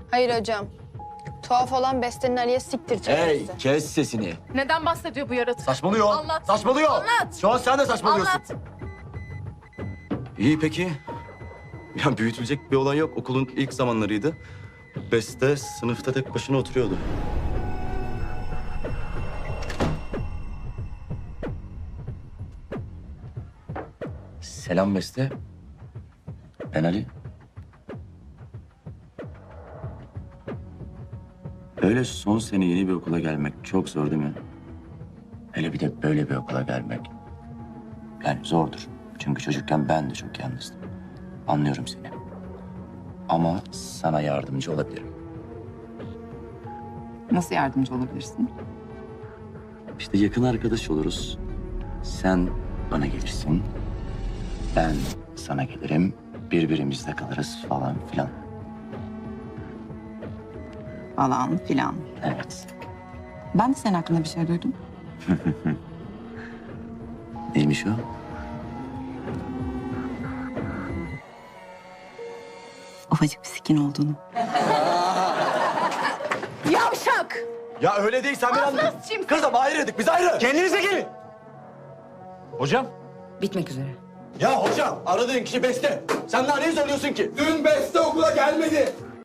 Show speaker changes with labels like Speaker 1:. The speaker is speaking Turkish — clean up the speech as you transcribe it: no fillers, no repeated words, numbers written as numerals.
Speaker 1: Hayır hocam. Tuhaf olan Beste'nin Ali'ye siktir çekmesi.
Speaker 2: Hey, kes sesini.
Speaker 3: Neden bahsediyor bu yaratık?
Speaker 2: Saçmalıyor.
Speaker 3: Anlat.
Speaker 2: Saçmalıyor.
Speaker 3: Anlat.
Speaker 2: Şu an sen de saçmalıyorsun.
Speaker 3: Anlat.
Speaker 2: İyi peki. Ya büyütülecek bir olay yok. Okulun ilk zamanlarıydı. Beste sınıfta tek başına oturuyordu. Selam Beste. Ben Ali. Öyle son sene yeni bir okula gelmek çok zor değil mi? Hele bir de böyle bir okula gelmek. Yani zordur. Çünkü çocukken ben de çok yalnızdım. Anlıyorum seni. Ama sana yardımcı olabilirim.
Speaker 4: Nasıl yardımcı olabilirsin?
Speaker 2: İşte yakın arkadaş oluruz. Sen bana gelirsin. Ben sana gelirim. Birbirimizle kalırız falan filan.
Speaker 4: Falan filan.
Speaker 2: Evet.
Speaker 4: Ben de senin hakkında bir şey duydum.
Speaker 2: Neymiş o?
Speaker 4: Ufacık bir sikin olduğunu.
Speaker 3: Yavşak!
Speaker 2: Ya öyle değil sen beni anladın.
Speaker 3: Şimdi.
Speaker 2: Kızım ayrıydık biz ayrı.
Speaker 5: Kendinize gelin. Hocam.
Speaker 4: Bitmek üzere.
Speaker 2: Ya hocam aradığın kişi Beste. Sen daha neyi söylüyorsun ki?
Speaker 6: Dün Beste okula gelmedi.